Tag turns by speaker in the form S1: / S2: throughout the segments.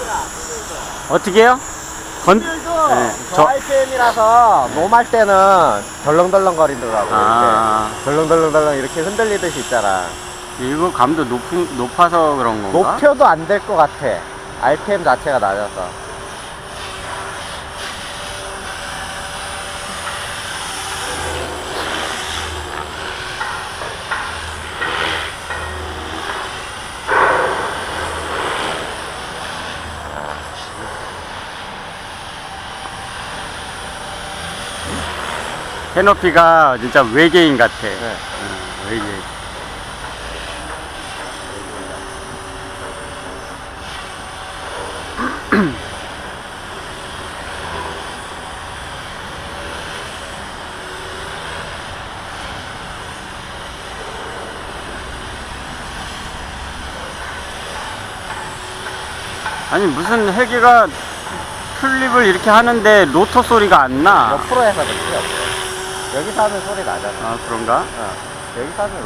S1: 어떻게요?
S2: 건들도
S1: 네,
S2: 저 RPM이라서 노말 때는 덜렁덜렁 거리더라고. 이렇게 덜렁덜렁 이렇게 흔들리듯이 있잖아.
S1: 이거 감도 높아서 그런 건가?
S2: 높여도 안 될 것 같아. RPM 자체가 낮아서.
S1: 캐노피가 진짜 외계인 같아.
S2: 네.
S1: 외계인. 아니 무슨 헬기가 플립을 이렇게 하는데 로터 소리가 안 나.
S2: 옆으로 해서 그렇지 없어. 여기서 하면 소리 나잖아.
S1: 아 그런가?
S2: 여기서 하면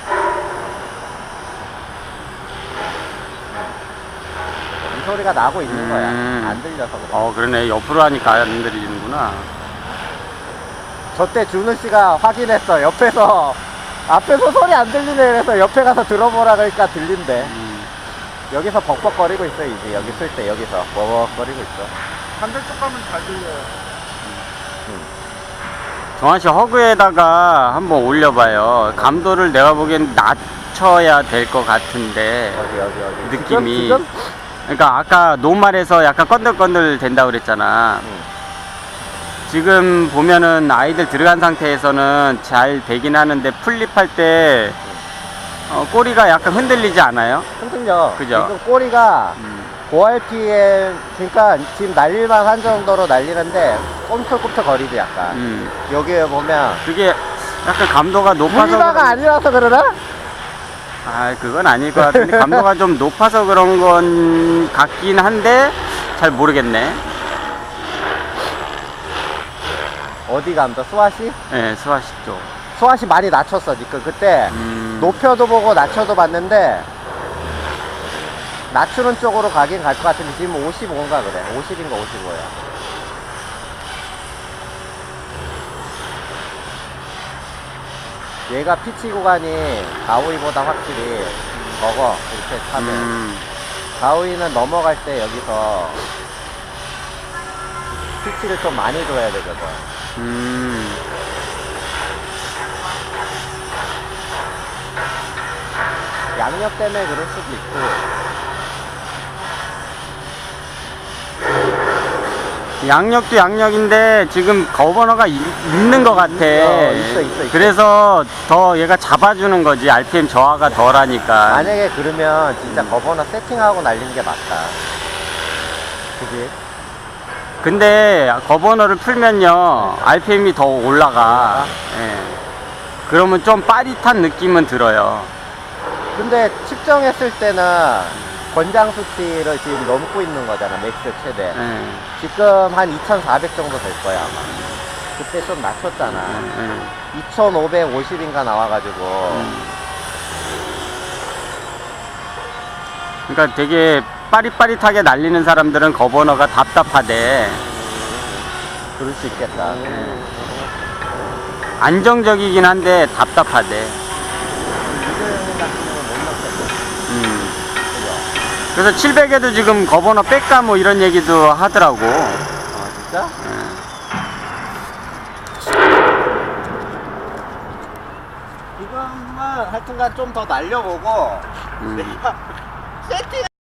S2: 이 소리가 나고 있는 거야. 안 들려서 그래.
S1: 그러네. 옆으로 하니까 안 들리는구나.
S2: 저때 준우 씨가 확인했어. 앞에서 소리 안 들리네. 그래서 옆에 가서 들어보라 그러니까 들린대. 여기서 벅벅거리고 있어. 이제 여기 쓸 때 여기서 벅벅거리고 있어.
S3: 반대쪽 가면 잘 들려요.
S1: 정환씨 허그에다가 한번 올려봐요. 감도를 내가 보기엔 낮춰야 될 것 같은데
S2: 어디
S1: 느낌이
S2: 지금?
S1: 그러니까 아까 노말에서 약간 건들건들 된다고 그랬잖아. 지금 보면은 아이들 들어간 상태에서는 잘 되긴 하는데 플립할 때 꼬리가 약간 흔들리지 않아요?
S2: 흔들려.
S1: 그죠?
S2: 지금 꼬리가 고RPM 그러니까 지금 날릴만 한 정도로 날리는데 꿈틀꿈틀 거리지 약간. 여기에 보면
S1: 그게 약간 감도가 높아서
S2: 무리바가 아니라서 그러나?
S1: 그건 아닐 것 같은데 감도가 좀 높아서 그런 건 같긴 한데 잘 모르겠네.
S2: 어디 감도? 수아시?
S1: 네, 수아시 쪽.
S2: 수아시 많이 낮췄어 지금. 그때 높여도 보고 낮춰도 봤는데 낮추는 쪽으로 가긴 갈 것 같은데 지금 55인가 그래. 50인가 55야. 얘가 피치 구간이 가오이보다 확실히 적어. 이렇게 타면 가오이는 넘어갈 때 여기서 피치를 좀 많이 줘야 되거든. 양력 때문에 그럴 수도 있고.
S1: 양력도 양력인데 지금 거버너가 있는 것 같아.
S2: 있어.
S1: 그래서 더 얘가 잡아주는 거지. RPM 저하가 덜하니까.
S2: 만약에 그러면 진짜 거버너 세팅하고 날리는 게 맞다. 그지?
S1: 근데 거버너를 풀면요 RPM이 더 올라가. 예. 그러면 좀 빠릿한 느낌은 들어요.
S2: 근데 측정했을 때는 권장 수치를 지금 넘고 있는 거잖아. 맥스 최대.
S1: 예.
S2: 지금 한 2400 정도 될 거야 아마. 그때 좀 낮췄잖아. 2550인가 나와가지고.
S1: 그러니까 되게 빠릿빠릿하게 날리는 사람들은 거버너가 답답하대.
S2: 그럴 수 있겠다.
S1: 안정적이긴 한데 답답하대. 그래서 700에도 지금 거버너 뺄까 뭐 이런 얘기도 하더라고.
S2: 진짜? 지금은 하여튼간 좀 더 날려보고 내가 세팅